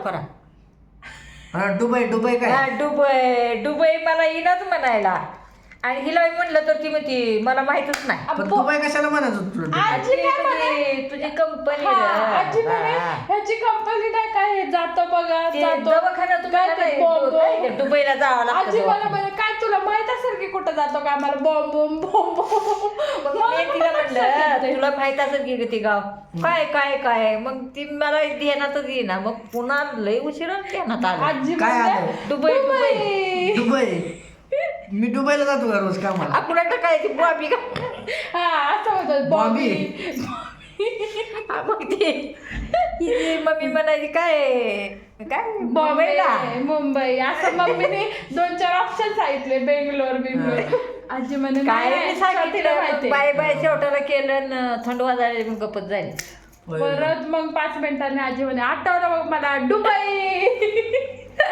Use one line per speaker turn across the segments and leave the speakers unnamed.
करा.
हा दुबई काय
हा दुबई मला येईनाच म्हणायला. आणि हिला म्हणलं तर ती म्हणते मला माहितच नाही.
पण दुबई कशाला म्हणायचं तुला?
आजी काय म्हणे?
तुझी कंपनी
आजी म्हणे ह्याची कंपनी नाही काय जातो बघा जातो
दवाखाना दुबईला जावं
आजी मला
लागतं.
म्हणे काय तुला माहित असेल की कुठं जातो का आम्हाला बॉम्ब बॉम्ब बॉम्ब
मग मी तिला म्हणलं तुला माहित असेल की ते गाव काय काय काय. मग ती मला ध्यानातच येईना. मग पुन्हा लय उशिरा ध्यानात आलं.
आजी
काय
म्हणते,
आलं?
दुबई
दुबई मी दुबईला जातो का रोज कामाला?
आपण काय ती बॉबी का
हा असं म्हणतात
बॉम्बी.
मग ती मम्मी म्हणायची काय काय बॉम्बेला.
मुंबई असं मम्मीने 2-4 ऑप्शन सांगितले बेंगलोर आजी म्हणे
काय
नाही,
मी
स्वातीला
सांगितलं
माहिती.
बाय बाय शेवटाला केलं न थंड वाजायला मग गपत झाली.
परत मग 5 मिनिटांनी आजी म्हणे आठवलं मग मला दुबई.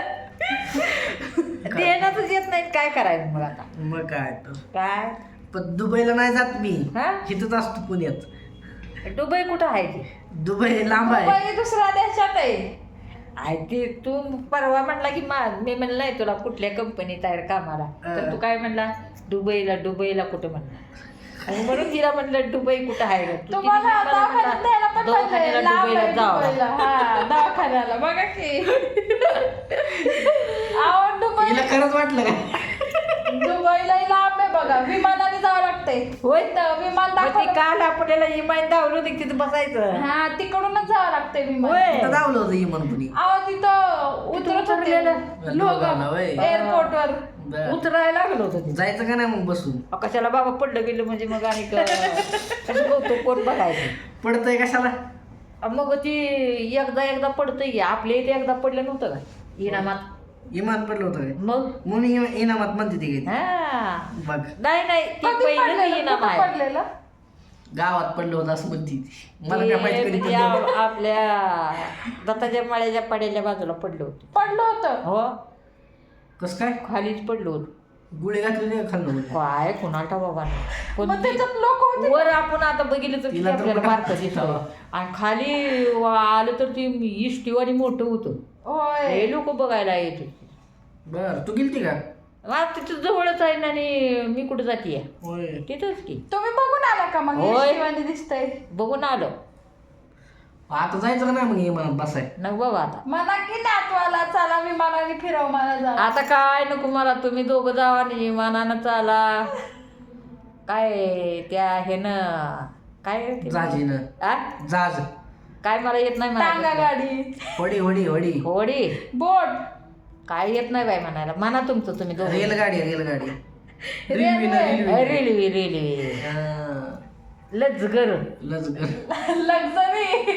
देण्यातच येत नाही काय करायचं मग आता.
मग काय तर.
काय
पण दुबईला नाही जात मी.
हा
इथंच असतो पुण्यात.
दुबई कुठं आहे ती?
दुबई लांब आहे.
दुबई दुसऱ्या देशात आहे.
आहे ती तू परवा म्हणला की मी म्हणलं नाही तुला कुठल्या कंपनीत आहे कामाला. तर तू काय म्हणला दुबईला कुठं म्हणला. आणि म्हणून तिला म्हणलं दुबई कुठं आहे का तू?
तुम्हाला दवाखान्यात न्यायला पण
दवाखान्याला
पाहिजे. लांब
दुबईला
आहे
जावं.
दुबईला. हा दवाखान्याला बघा की आवड दुबई
हिला खरंच वाटलं का?
दुबईला लांब आहे बघा. विमानाने जावं लागते.
होय.
तर विमान
मग ती
दाखवलं
काल आपल्याला इमान धावलं होती तिथं बसायचं.
हा तिकडूनच जावं लागते विमान.
होय.
इथं धावलं होतं इमान कुणी.
आहो तिथं उतरत होते
उतरलेलं?
लोक
होय.
एअरपोर्ट वर.
बरं.
उतरायला लागलो होतं तिथं.
जायचं का नाही मग बसून?
कशाला बाबा पडलं गेलं म्हणजे मग आणि कसं कौतुक कोण बघायचं.
पडतंय कशाला?
मग ती एकदा पडतंय की आपल्या इथे एकदा पडलं नव्हतं का इनामात.
इमान पडलं होतं काय?
मग
म्हणून इनामात म्हणते ती काय?
हा
बघ
नाही ती
कधी
पहिलं
पडलेलं?
इनाम
कुठं
आहे.
पडलेलं?
गावात पडलं होतं असं म्हणते ती. मला काय माहिती कधी
ते
पडलं होतं.
आपल्या दत्ताच्या माळ्याच्या पाड्याच्या बाजूला पडलं होतं.
पडलं होतं.
हो
कसं काय?
खालीच पडलो होतो.
गुळे घातले नाही खाल्लं म्हणजे.
काय कुणाला बाबा पण
मग त्याच्यात लोक होते.
वर आपण आता बघितलं तर किती
तिला तर
आपल्याला
कुठं-
बारकं दिसतं. आणि खाली आलं तर ती इष्टीवाणी मोठं होतं.
होय
हे लोक बघायला येत होते.
बर तू गेलती का?
मग तिथं जवळच आहे ना. आणि मी कुठं जातीये
होय.
तिथंच की.
तुम्ही बघून आला का मग
होय.
शिवानी दिसतंय.
बघून आलो
आता जायचं का नाही मग इमानात बसाय?
न बाबा आता.
म्हणा की नातवाला चला विमानाने फिरव मला जा.
आता काय नको मला. तुम्ही दोघं जावा आणि विमानानं चाला. काय त्या हे न काय ते
जाजीनं.
आ?
जाज.
काय मला येत नाही
टांगा
म्हणायला.
गाडी
होडी होडी होडी.
होडी
बोट
काय येत नाही बाय म्हणायला. म्हणा तुमचं तुम्ही दोघं.
रेलगाडी रेलगाडी.
रेल्वे.
रेल्वे लजगर
लजगर.
लक्झरी.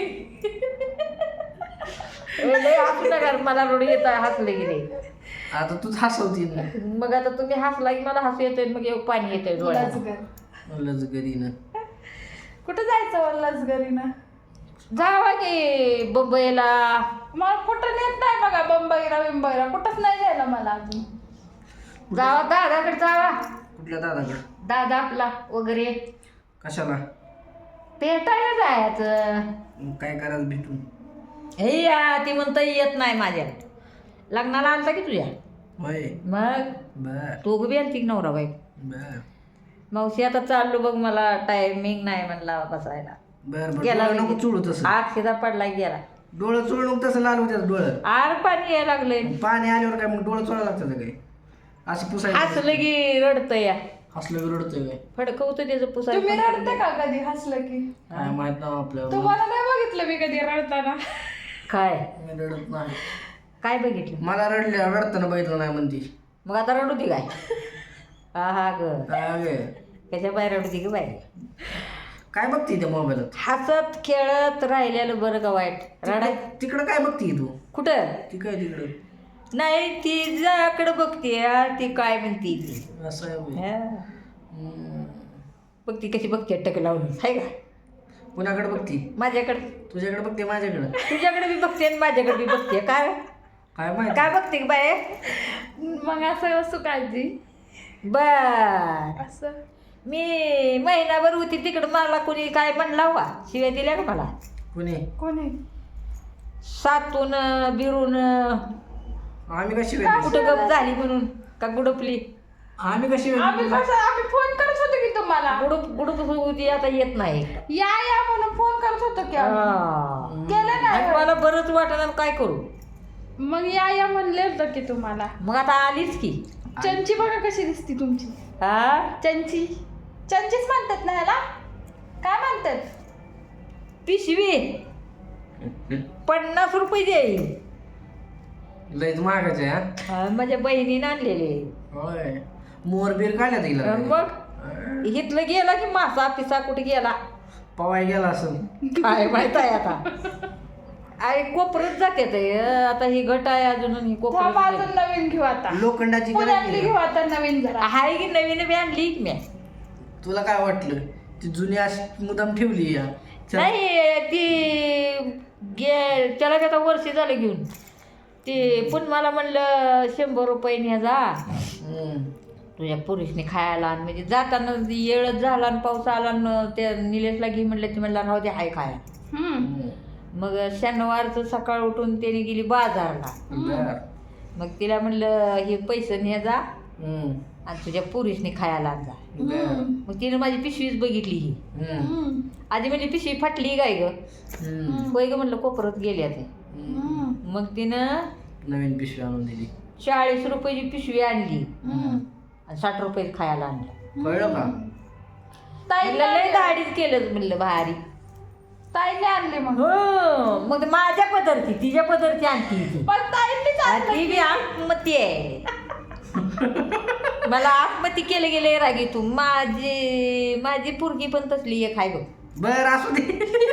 हसू नका मला रोड येत हसले गेले.
आता तूच हसवती ना.
मग आता तुम्ही हसला की मला हसू येतंय. मग एक पाणी येतंय डोळ्यात.
लक्झर.
लजगरीनं.
कुठं जायचं लक्झरीनं?
जावा की मुंबईला.
मला कुठं नेत नाही बघा. बंबईला कुठंच नाही जायला मला अजून.
जावा दादाकडे जावा.
कुठल्या दादाकडे?
दादा आपला वगैरे
कशाला?
भेटायला जायचं.
मग काय करायचं भेटून?
हे या ती म्हणता येत नाही माझ्या लग्नाला आलता की तुझ्या.
होय.
मग
बर
तू बी आलती की नवरा बाई.
बर
मावशी आता चाललो बघ मला टायमिंग नाही म्हणला बसायला.
बर बर.
गेला
डोळं नको चुळू तसं.
आग शिदा पडला गेला.
डोळं चुळू नको तसं लाल होत्यात डोळं.
आर पाणी यायला लागलंय.
पाणी आल्यावर काय मग डोळं चोळा लागतं काय? असं पुसायचं.
हसलं की रडतं या.
हसलं की रडतोय काय?
फडकवतं त्याचं
तुम्ही
पुसायला.
रडते का कधी हसलं की?
काय माहित ना आपल्याला.
तुम्हाला नाही बघितलं मी कधी रडताना.
काय
मी रडत नाही.
काय बघितलं
मला रडताना बघितलं नाही म्हणती.
मग आता रडू दे काय. हा हा ग
काय गे?
त्याच्या बाहेर रडू दे ग बाई.
काय बघती त्या मोबाईलात?
हसत खेळत राहिलेलं बरं का वाईट. रडा
तिकडं काय बघती तू?
कुठं
ती काय तिकडं?
नाही ती जाकडे बघते ती काय म्हणते ती.
असं आहे होय.
हा. बघ ती कशी बघते टक लावून आहे का.
कुणाकडे बघती?
माझ्याकडे.
तुझ्याकडे बघते माझ्याकडं?
तुझ्याकडे बी बघते आणि माझ्याकडे बी बघते. काय
काय माहित?
काय बघते का बाय.
मग असं असू काळजी
बर
असं.
मी महिनाभर होती तिकडं मला कोणी काय म्हणला वा शिव्या दिल्या का मला.
कुणी?
कोणी?
सातून बिरून
आम्ही कशी वेगळी
कुठं गप झाली म्हणून का गुडपली
आम्ही कशी
आम्ही
वेगळी
कसं आम्ही फोन करत होतो की तुम्हाला
गुडप होती आता येत नाही
या या म्हणून फोन करत होतो की आम्ही.
हा.
केलं
आणि
नाही
मला बरंच वाटणार काय करू
मग या म्हणले होतं की तुम्हाला
मग आता आलीच की
चंची बघा कशी दिसती तुमची
हा
चंचीच म्हणतात ना याला काय म्हणतात
पिशवी 50 रुपये देईल
लयच महागाचे हा
हा, माझ्या बहिणीने आणलेले
होय मोरबीर काढल्या तिला
मग इथलं गेला की मासा पिसा कुठे गेला
पवाय गेला असं
काय माहित आहे आता अरे कोपरच जाते ते आता ही घट आहे अजून ही
थांब
कोपर
अजून नवीन घेऊ आता
लोखंडाची
पुण्यातली
करायची
घेऊ आता नवीन जरा
आहे की नवीन बी आणली की मी
तुला काय वाटलं ती जुनी अशी मुदाम ठेवली या
नाही ती त्याला आता वर्ष झालं घेऊन ते पण मला म्हणलं 100 रुपये न्या जा तुझ्या पुरुषने खायला आणि म्हणजे जाताना येळच झाला आणि पाऊस आला आणि त्या निलेशला घे म्हणलं ती म्हणला राहू दे हाय खाया मग शनिवारचं सकाळ उठून त्याने गेली बाजारला मग तिला म्हणलं हे पैसे न्या जा आणि तुझ्या पुरुषने खायला आण जा मग तिने माझी पिशवीच बघितली ही आधी म्हणजे पिशवी फाटली काय ग होय ग म्हणलं कोपरत गेल्या ते मग तिनं
नवीन पिशवी आणून दिली
40 रुपयाची पिशवी आणली आणि 60 रुपये खायला आणलं
कळलं का
म्हणलं लय दाढीच केलं म्हणलं भारी
ताईने आणली मग
हो मग ते माझ्या पदरची तिच्या पदरची आणती ती
पण ताईंनीच
आणि ती बी आत्महत्या आहे मला आत्महत्या केले गेले रागी तू माझी पोरगी पण तसली एक आहे बघ
बर असू दे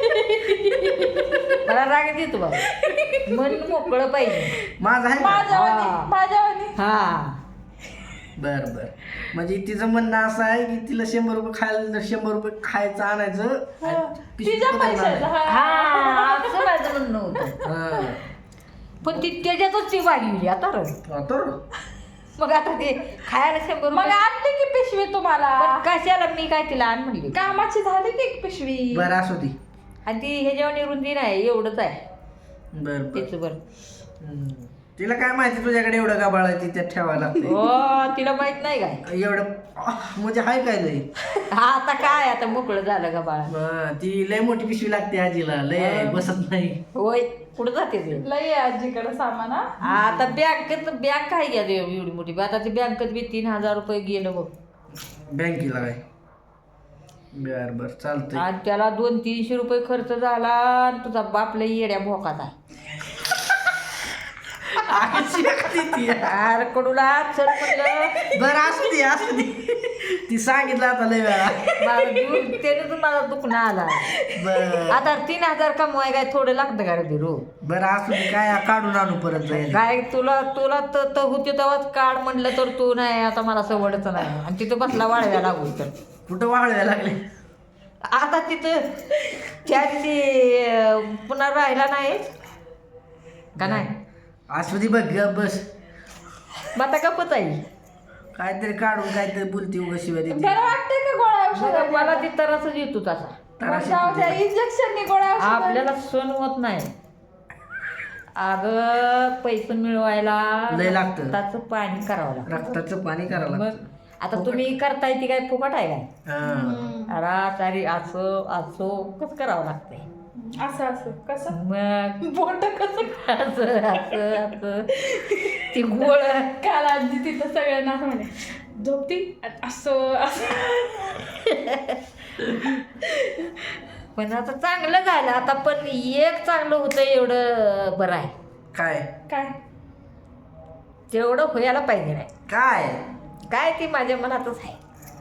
मला राग येतो बाबा मन मोकळं पाहिजे
माझं आहे का?
माझ्यावानी
हा
बर बर म्हणजे तिचं म्हणणं असं आहे की तिला 100 रुपये खायला 100 रुपये खायचं आणायचं आणि पिशवीत
तिच्या
पदार्थ
पैशाचं
आणायचं.
हा असं माझं म्हणणं होतं
हा.
पण ती त्याच्यातच ती वाढली आता र
हा, तर
मग आता ते खायला 100
मग
रुपये
आणली की पिशवी तुम्हाला
पण कशाला मी काय तिला आण म्हणली
कामाची झाली की एक पिशवी
बरं असू दे
आणि ती ह्याच्यावर रुंदी नाही एवढंच आहे
बर बर
तिचं बरं
तिला काय माहिती तुझ्याकडे एवढं गाबाळ आहे ती त्यात ठेवायला लागते
हो तिला माहित नाही काय
एवढं म्हणजे हाय काय लय
आता काय आता मोकळं झालं का बाळा
हा, ती लय मोठी पिशवी लागते आजीला लय बसत नाही
होय कुठं जाते ते
लय आहे आजीकडे सामान हा.
आता बँक काय घ्या एवढी मोठी आता ती बँकेत बी 3000 रुपये गेलं बघ
बँकेला काय बर बर चालतंय
आणि त्याला 200-300 रुपये खर्च झाला आणि तुझा बाप लई येड्या भोकाचा अरे कडूला चल म्हणलं
बर असू दे ती सांगितलं आता लय वेळा
त्याने तर मला दुखणं आला
बर
आता 3000 कमवाय काय थोडं लागतं का रे बिरू
बर असू दे काय काढून आणू परत जाईल
काय तुला तर होते तेव्हाच काढ म्हणलं तर तू नाही आता मला सवडच नाही आणि तिथं बसला वाळव्या लागू तर
कुठं वाळवायला लागले
आता तिथं त्या दिवशी पुन्हा राहिला नाही का नाही
असू दे बघ गप बस
मग आता गपच आहे
काहीतरी काढून काहीतरी बोलती उगा शिवाय देते
बरं वाटतंय का गोळ्या
मग
औषध
मला ती तरसच येतो तसा
इंजेक्शननी गोळ्या औषध
आपल्याला सण होत नाही अगं पैसे मिळवायला
लय लागतं.
रक्ताचं पाणी करावं लागतं
रक्ताचं पाणी करावं
मग
लागतं
आता तुम्ही करताय ती काय फुकट आहे काय
हा.
अरे सारी असं कसं करावं लागतंय
असं असं कसं
मग
बोट कसं
असं ती गोळ
काल आजी तिथं सगळ्यांना असं म्हणे झोपती आणि असं
पण आता चांगलं झालं आता पण एक चांगलं होतं एवढं बरं आहे
काय
काय
तेवढं व्हायला पाहिजे नाही
काय
काय ती माझ्या मनातच आहे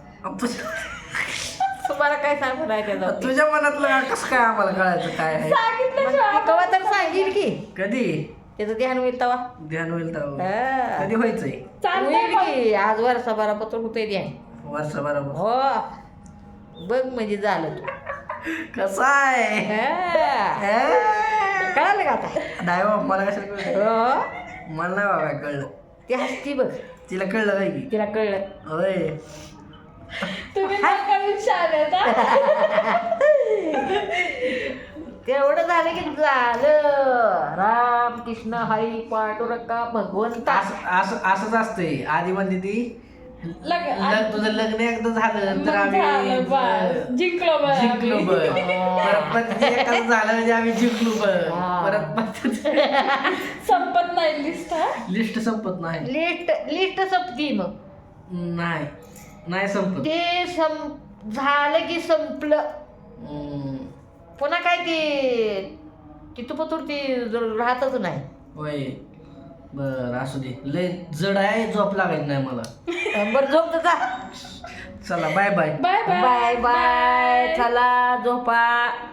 तुम्हाला काय सांगू नाही त्याचं
तुझ्या मनातलं कसं काय आम्हाला कळायचं काय आहे
सांगितलं
कवा तर सांगेल की
कधी
त्याचं ध्यान होईल तवा
ध्यान होईल तर
हा.
कधी व्हायचंय
चालतंय
होईल की आज वर्षभरा पत्र होते ध्यान
वर्ष बरोबर
हो बघ म्हणजे झालं तू
कसं आहे
हा. कळालं का आता
नाही बाबा मला कशाला कळलं
हो
मला नाही बाबा कळलं
ती हसती बघ
तिला कळलं काय की
तिला कळलं
होय
तुम्ही नका विचारत हा.
तेवढं झालं की झालं. राम कृष्ण हरी पांडुरंगा भगवंता.
असंच असतंय. आधी म्हणते ती तुझं लग्न एकदा झालं तर
झालं बस.
आम्ही
जिंकलो बरं
जिंकलो
आम्ही.
बघ. परत पण ते एकाच झालं म्हणजे आम्ही जिंकलो बघ.
हा.
परत
संपत नाही लिस्ट हा.
लिस्ट संपत नाही.
लिस्ट संपती मग.
नाही संपत.
ते झालं की संपलं.
हम्म.
पुन्हा काय ती तुपतूर ती राहतच नाही.
होय बर असू दे. लय जड आहे, झोप लागायची नाही मला.
बरं झोप जा.
चला bye bye.
Bye
bye bye. चला झोपा.